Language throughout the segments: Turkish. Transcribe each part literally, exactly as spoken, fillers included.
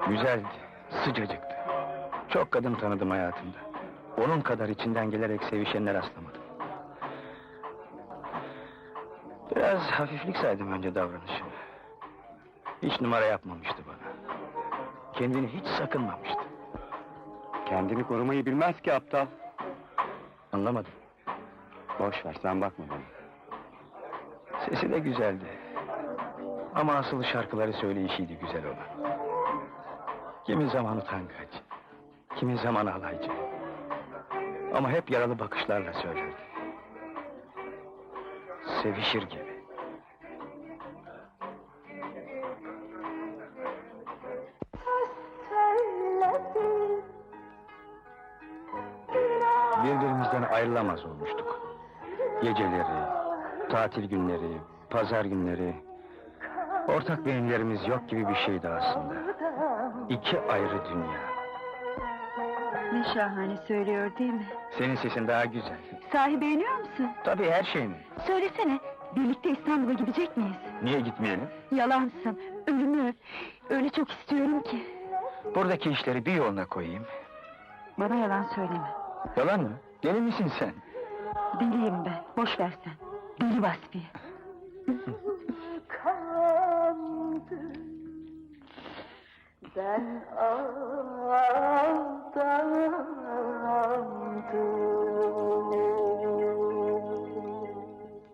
Güzeldi, sıcacıktı. Çok kadın tanıdım hayatımda. Onun kadar içinden gelerek sevişenler rastlamadım. Biraz hafiflik saydım önce davranışını. Hiç numara yapmamıştı bana. Kendini hiç sakınmamıştı. Kendini korumayı bilmez ki aptal. Anlamadım. Boş ver, sen bakma bana. Sesi de güzeldi. Ama asıl şarkıları söyleyişiydi güzel olan. Kimi zaman utangaç, kimi zaman alaycı. Ama hep yaralı bakışlarla söylerdi. Sevişir gibi. Birbirimizden ayrılamaz olmuştuk. Geceleri, tatil günleri, pazar günleri... Ortak beyinlerimiz yok gibi bir şeydi aslında. İki ayrı dünya. Ne şahane söylüyor değil mi? Senin sesin daha güzel. Sahi beğeniyor musun? Tabii her şey mi? Söylesene, birlikte İstanbul'a gidecek miyiz? Niye gitmeyelim? Yalansın, ölümü öp. Öyle çok istiyorum ki. Buradaki işleri bir yoluna koyayım. Bana yalan söyleme. Yalan mı? Deli misin sen? Deliyim ben, boş ver sen. Deli Vasfiye. Ben aldandım.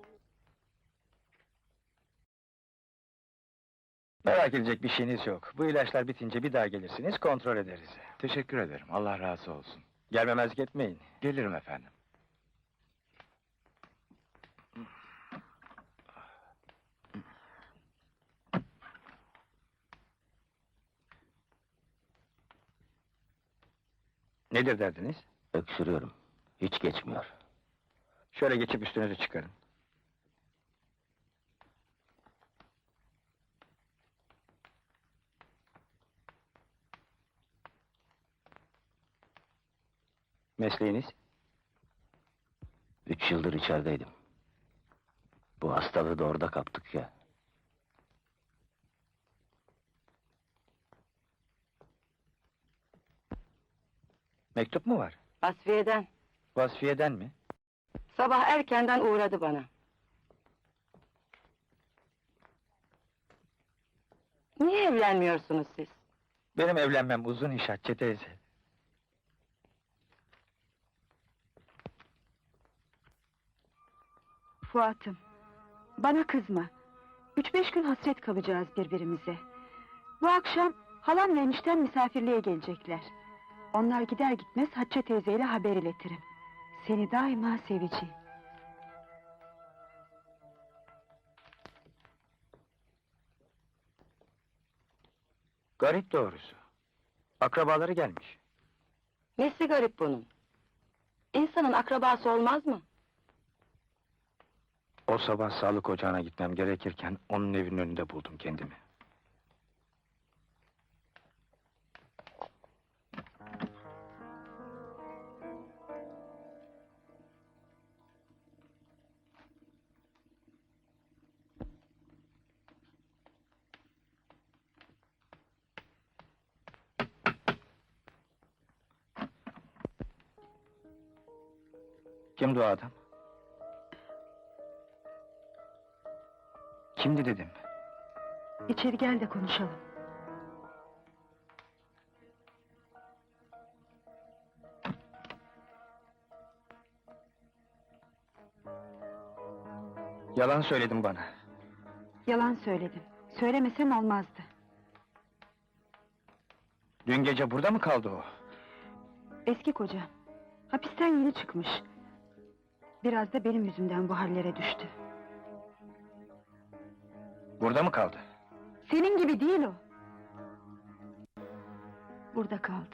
Merak edecek bir şeyiniz yok. Bu ilaçlar bitince bir daha gelirsiniz, kontrol ederiz. Teşekkür ederim, Allah razı olsun. Gelmemezlik etmeyin. Gelirim efendim. Nedir derdiniz? Öksürüyorum. Hiç geçmiyor. Şöyle geçip üstünüzü çıkarın. Mesleğiniz? Üç yıldır içerideydim. Bu hastalığı da orada kaptık ya. Mektup mu var? Vasfiye'den. Vasfiye'den mi? Sabah erkenden uğradı bana. Niye evlenmiyorsunuz siz? Benim evlenmem uzun iş Hatice teyze. Fuat'ım, bana kızma. Üç beş gün hasret kalacağız birbirimize. Bu akşam halam ve enişten misafirliğe gelecekler. Onlar gider gitmez Hatice teyzeyle haber iletirim. Seni daima seveceğim. Garip doğrusu. Akrabaları gelmiş. Nesi garip bunun? İnsanın akrabası olmaz mı? O sabah sağlık ocağına gitmem gerekirken onun evinin önünde buldum kendimi. Kimdi o adam? Kimdi dedim. İçeri gel de konuşalım. Yalan söyledin bana. Yalan söyledim. Söylemesem olmazdı. Dün gece burada mı kaldı o? Eski kocam. Hapisten yeni çıkmış. Biraz da benim yüzümden bu hallere düştü. Burada mı kaldı? Senin gibi değil o. Burada kaldı.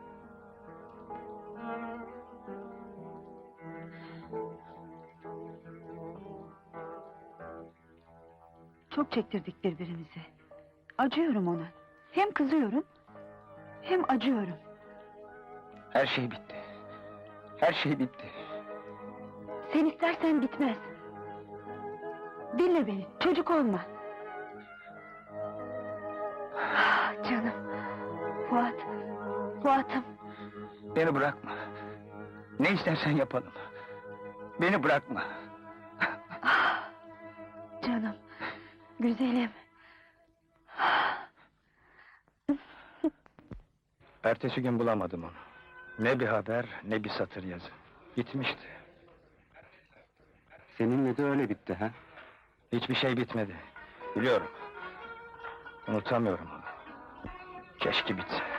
Çok çektirdik birbirimize. Acıyorum ona. Hem kızıyorum, hem acıyorum. Her şey bitti. Her şey bitti. Sen istersen bitmez. Dinle beni, çocuk olma. Ah, canım. Hayatım, Beni bırakma. Ne istersen yapalım. Beni bırakma. canım, güzelim. Ertesi gün bulamadım onu. Ne bir haber, ne bir satır yazı. Gitmişti. Seninle de öyle bitti ha? Hiçbir şey bitmedi. Biliyorum. Unutamıyorum onu. Keşke bitse.